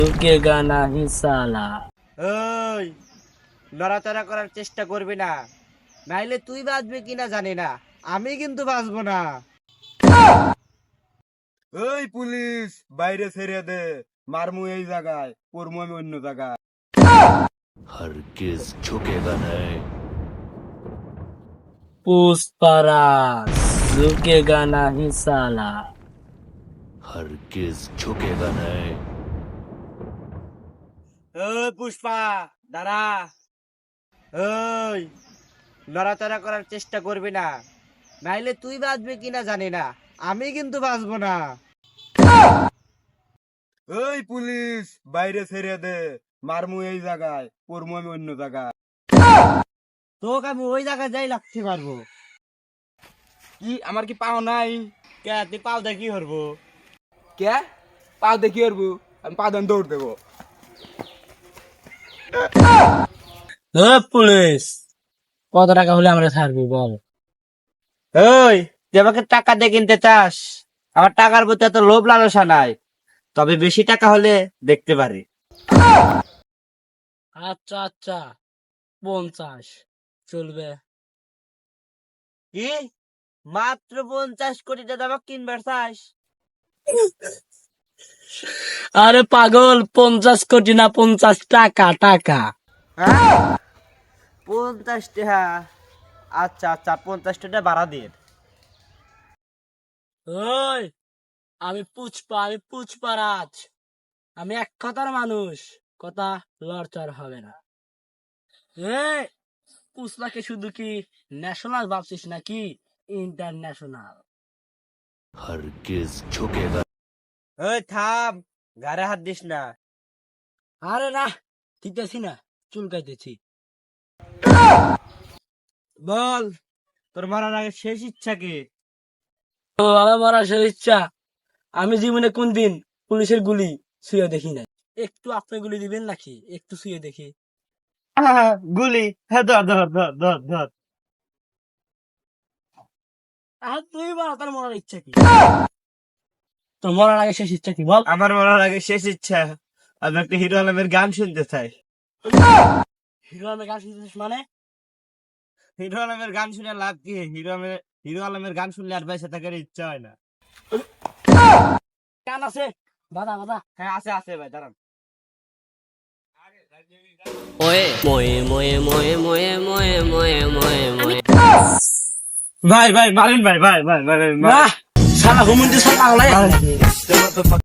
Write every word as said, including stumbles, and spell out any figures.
ঝুঁকেগা নাহি সালা। ওই নড়াচড়া করার চেষ্টা করবি না, নাইলে তুই বাঁচবি কিনা জানি না, আমি কিন্তু বাঁচবো না। এই পুলিশ, বাইরে ছেড়ে দে। মারমু এই জায়গায়, পড়মু আমি অন্য জায়গায়। हरगिज झुकेगा नहीं। পুষ্পারাজ ঝুঁকেগা নাহি সালা। हरगिज झुकेगा नहीं। ওই পুষ্পা, দাঁড়া। ওই নড়াচড়া করার চেষ্টা করবি না, নাইলে তুই বাঁচবি কিনা জানি না, আমি কিন্তু বাঁচবো না। এই পুলিশ, বাইরে ছেড়ে দে। মারমু এই জায়গায়, পড়মু আমি অন্য জায়গায়। তোকে আমি ওই জায়গায় যাই লাগতে পারবো। কি আমার কি পাও নাই? কে তুই পাও দেখি কি করবো? কে পাও দেখি করবো? আমি পা দেন দৌড় দেবো। এ পুলিশ, কত টাকা হলে আমরা ছাড়বি বল? ওই তুই আমাকে টাকা দিয়ে কিনতে চাস? আমার টাকার প্রতি এত লোভ লালসা নাই, তবে বেশি টাকা হলে দেখতে পারি। আচ্ছা আচ্ছা, পঞ্চাশ চলবে। কি মাত্র পঞ্চাশ কোটি টাকা আমাকে কিনবার চাস? আরে পাগল, পঞ্চাশ কোটি না, পঞ্চাশ টাকা টাকা। হ্যাঁ? পঞ্চাশ টাকা? আচ্ছা আচ্ছা, পঞ্চাশ টাকা বাড়া দিয়ে। ওই আমি পুষ্পা, আমি পুষ্পারাজ, আমি এক কথার মানুষ, কথা লড়চড় হবে না। এ পুষ্পাকে শুধু কি ন্যাশনাল ভাবছিস নাকি ইন্টারন্যাশনাল? हरगिज झुकेगा। ওই থাম, গাড়ে হাত দিস না। আরে না, দিতেছি না, চুলকাইতেছি। বল, তোর মারার আগে শেষ ইচ্ছা কি? ও আমার মরার শেষ ইচ্ছা, আমি জীবনে কোনদিন পুলিশের গুলি শুয়ে দেখি নাই। একটু আপনি গুলি দিবেন নাকি? একটু শুয়ে দেখি। আহা, গুলি, হ্যাঁ ধর ধর ধর ধর ধর। আর তুই বল, তোর মরার ইচ্ছা কি? তোর মরার আগে শেষ ইচ্ছা কি বল? আমার মরার আগে শেষ ইচ্ছা, আমি একটা হিরো আলমের গান শুনতে চাই। হিরো আলমের গান শুনতেছিস মানে? হিরো আলমের গান শুনে লাভ কি? হিরো আলমের হিরো আলমের গান শুনলে আর বেঁচে থাকার ইচ্ছা হয় না। গান আছে, বাদা বাদা। হ্যাঁ আছে আছে ভাই, দাঁড়ান। ভাই ভাই মারেন ভাই, ভাই ভাই ভাই ভাই না, শালা হুমন্দি শালা